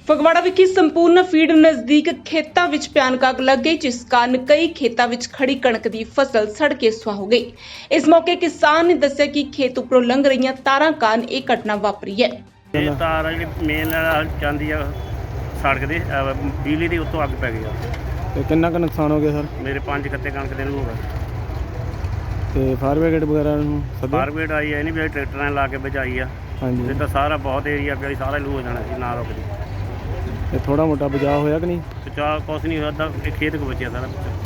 ਫਗਵਾੜਾ ਵਿਖੇ ਸੰਪੂਰਨ ਫੀਡ ਨਜ਼ਦੀਕ ਖੇਤਾਂ ਵਿੱਚ ਭਿਆਨਕ ਅੱਗ ਲੱਗ ਗਈ, ਜਿਸ ਕਾਰਨ ਕਈ ਖੇਤਾਂ ਵਿੱਚ ਖੜੀ ਕਣਕ ਦੀ ਫਸਲ ਸੜ ਕੇ ਸੁਆਹ ਹੋ ਗਈ। ਇਸ ਮੌਕੇ ਕਿਸਾਨ ਨੇ ਦੱਸਿਆ ਕਿ ਖੇਤ ਉੱਪਰੋਂ ਲੰਘ ਰਹੀਆਂ ਤਾਰਾਂ ਕਾਰਨ ਇਹ ਘਟਨਾ ਵਾਪਰੀ ਹੈ। ਇਹ ਤਾਰ ਜਿਹੜੀ ਮੇਨ ਜਾਂਦੀ ਆ ਸੜਕ ਦੇ ਬਿਜਲੀ ਦੀ ਉੱਤੋਂ ਅੱਗ ਪੈ ਗਈ ਆ। ਤੇ ਕਿੰਨਾ ਕੁ ਨੁਕਸਾਨ ਹੋ ਗਿਆ ਸਰ? ਮੇਰੇ 5 ਕੱਤੇ ਕਣਕ ਦੇ ਨੂੰ ਹੋ ਗਏ। ਤੇ ਫਾਇਰ ਬ੍ਰਿਗੇਡ ਵਗੈਰਾ ਨੂੰ ਸੱਦਿਆ? ਫਾਰਵੇਡ ਆਈ ਹੈ, ਇਹ ਨਹੀਂ ਵੀ ਟਰੈਕਟਰਾਂ ਲਾ ਕੇ ਬਚਾਈ ਆ। ਹਾਂਜੀ। ਇਹ ਤਾਂ ਸਾਰਾ ਬਹੁਤ ਏਰੀਆ ਪਿਆ, ਸਾਰਾ ਲੂ ਹੋ ਜਾਣਾ ਸੀ ਨਾ ਰੁਕਦੀ। ਤੇ ਥੋੜਾ ਮੋਟਾ ਬਚਾਅ ਹੋਇਆ ਕਿ ਨਹੀਂ? ਬਚਾਅ ਕੁਛ ਨਹੀਂ ਹੋਇਆ, ਤਾਂ ਇਹ ਖੇਤ ਕੋ ਬਚਿਆ ਸਾਰਾ ਕੁਛ।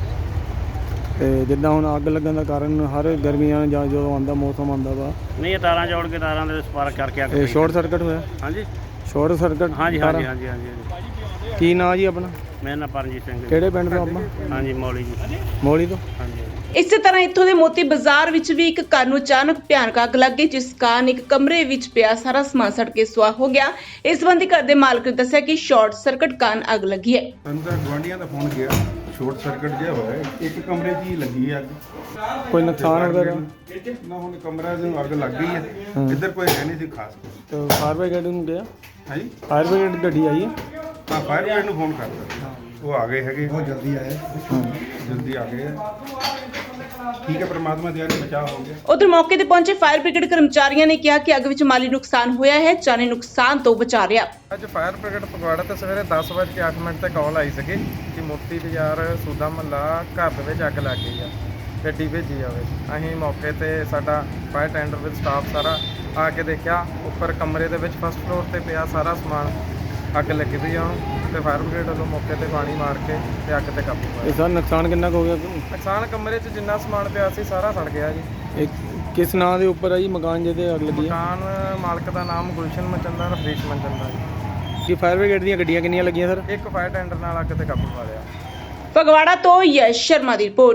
ਤੇ ਜਿੱਦਾਂ ਹੁਣ ਅੱਗ ਲੱਗਣ ਦਾ ਕਾਰਨ ਹਰ ਗਰਮੀਆਂ ਜਾਂ ਜਦੋਂ ਆਉਂਦਾ ਮੌਸਮ ਆਉਂਦਾ ਵਾ, ਨਹੀਂ ਇਹ ਤਾਰਾਂ ਜੋੜ ਕੇ ਤਾਰਾਂ ਦੇ ਸਪਾਰਕ ਕਰਕੇ ਅੱਗ ਇਹ ਪਈ। ਸ਼ਾਰਟ ਸਰਕਟ ਹੋਇਆ? ਹਾਂਜੀ ਸ਼ਾਰਟ ਸਰਕਟ? ਹਾਂਜੀ ਹਾਂਜੀ ਹਾਂਜੀ ਹਾਂਜੀ। ਕੀ ਨਾਂ ਜੀ ਆਪਣਾ? ਮੇਰਾ ਨਾਮ ਪਰਮਜੀਤ ਸਿੰਘ ਹੈ। ਕਿਹੜੇ ਪਿੰਡ ਤੋਂ ਆਪਾਂ? ਹਾਂਜੀ ਮੌਲੀ ਜੀ। ਮੋਲੀ ਤੋਂ। ਹਾਂਜੀ। ਇਸੇ ਤਰ੍ਹਾਂ ਇੱਥੋਂ ਦੇ ਮੋਤੀ ਬਾਜ਼ਾਰ ਵਿੱਚ ਵੀ ਇੱਕ ਘਰ ਨੂੰ ਅਚਾਨਕ ਭਿਆਨਕ ਅੱਗ ਲੱਗ ਗਈ, ਜਿਸ ਕਾਰਨ ਇੱਕ ਕਮਰੇ ਵਿੱਚ ਪਿਆ ਸਾਰਾ ਸਮਾਨ ਸੜ ਕੇ ਸੁਆਹ ਹੋ ਗਿਆ। ਇਸ ਸੰਬੰਧੀ ਘਰ ਦੇ ਮਾਲਕ ਨੇ ਦੱਸਿਆ ਕਿ ਸ਼ਾਰਟ ਸਰਕਟ ਕਾਰਨ ਅੱਗ ਲੱਗੀ ਹੈ। ਸਾਨੂੰ ਤਾਂ ਗੁਆਂਢੀਆਂ ਦਾ ਫੋਨ ਗਿਆ, ਸ਼ਾਰਟ ਸਰਕਟ ਜਿਹਾ ਹੋਇਆ ਹੈ। ਇੱਕ ਕਮਰੇ 'ਚ ਹੀ ਲੱਗੀ ਹੈ ਅੱਗ। ਕੋਈ ਨੁਕਸਾਨ ਵਗੈਰਾ? ਨਾ ਹੁਣ ਕਮਰਾ ਨੂੰ ਅੱਗ ਲੱਗ ਗਈ ਹੈ। ਇੱਧਰ ਕੋਈ ਹੈ ਨਹੀਂ ਸੀ ਖਾਸ। ਤੇ ਫਾਇਰ ਬ੍ਰਿਗੇਡ ਨੂੰ ਗਿਆ? ਹਾਂਜੀ, ਫਾਇਰ ਬ੍ਰਿਗੇਡ ਗੱਡੀ ਆਈ ਹੈ? ਹਾਂ ਫਾਇਰ ਬ੍ਰਿਗੇਡ ਨੂੰ ਫੋਨ ਕਰਤਾ, ਉਹ ਆ ਗਏ ਹੈਗੇ, ਬਹੁਤ ਜਲਦੀ ਆਏ, ਜਲਦੀ ਆ ਗਏ। ਠੀਕ ਹੈ, ਪ੍ਰਮਾਤਮਾ ਦੀ ਬਚਾਅ ਹੋ ਗਿਆ। ਉਧਰ ਮੌਕੇ ਤੇ ਪਹੁੰਚੇ ਫਾਇਰ ਬ੍ਰਿਗੇਡ ਕਰਮਚਾਰੀਆਂ ਨੇ ਕਿਹਾ ਕਿ ਅੱਗ ਵਿੱਚ ਮਾਲੀ ਨੁਕਸਾਨ ਹੋਇਆ ਹੈ, ਜਾਨੀ ਨੁਕਸਾਨ ਤੋਂ ਬਚਾ ਰਿਹਾ। ਅੱਜ ਫਾਇਰ ਬ੍ਰਿਗੇਡ ਫਗਵਾੜਾ ਤੋਂ ਸਵੇਰੇ 10:08 ਤੇ ਕਾਲ ਆਈ ਸੀਗੀ ਕਿ ਮੋਤੀ ਬਾਜ਼ਾਰ ਸੂਦਾ ਮਹੱਲਾ ਘਰ ਦੇ ਵਿੱਚ ਅੱਗ ਲੱਗ ਗਈ ਆ, ਗੱਡੀ ਭੇਜੀ ਜਾਵੇ। ਅਸੀਂ ਮੌਕੇ ਤੇ ਸਾਡਾ ਫਾਇਰ ਟੈਂਡਰ ਵਿਦ ਸਟਾਫ ਸਾਰਾ ਆ ਕੇ ਦੇਖਿਆ, ਉੱਪਰ ਕਮਰੇ ਦੇ ਵਿੱਚ ਫਸਟ ਫਲੋਰ ਤੇ ਪਿਆ ਸਾਰਾ ਸਮਾਨ ਅੱਗ ਲੱਗੀ ਪਈ ਆ ਤੇ ਫਾਇਰ ਬ੍ਰਿਗੇਡ ਵੱਲੋਂ ਮੌਕੇ ਤੇ ਪਾਣੀ ਮਾਰ ਕੇ ਤੇ ਅੱਗ ਤੇ ਕਾਬੂ ਪਾਇਆ। ਇਹ ਸਰ ਨੁਕਸਾਨ ਕਿੰਨਾ ਕੁ ਹੋ ਗਿਆ? ਨੁਕਸਾਨ ਕਮਰੇ 'ਚ ਜਿੰਨਾ ਸਮਾਨ ਪਿਆ ਸੀ ਸਾਰਾ ਸੜ ਗਿਆ ਜੀ। ਇਹ ਕਿਸ ਨਾਂ ਦੇ ਉੱਪਰ ਆ ਜੀ ਮਕਾਨ ਜਿਹਦੇ ਅੱਗ ਲੱਗੀ ਹੈ? ਮਕਾਨ ਮਾਲਕ ਦਾ ਨਾਮ ਗੁਲਸ਼ਨ ਮਚੰਦਰ, ਰਫੀਸ਼ ਮਚੰਦਰ ਜੀ। ਕੀ ਫਾਇਰ ਬ੍ਰਿਗੇਡ ਦੀਆਂ ਗੱਡੀਆਂ ਕਿੰਨੀਆਂ ਲੱਗੀਆਂ ਸਰ? ਇੱਕ ਫਾਇਰ ਟੈਂਡਰ ਨਾਲ ਅੱਗ ਤੇ ਕਾਬੂ ਪਾ ਲਿਆ। ਫਗਵਾੜਾ ਤੋਂ ਯਸ਼ ਸ਼ਰਮਾ ਦੀ ਰਿਪੋਰਟ।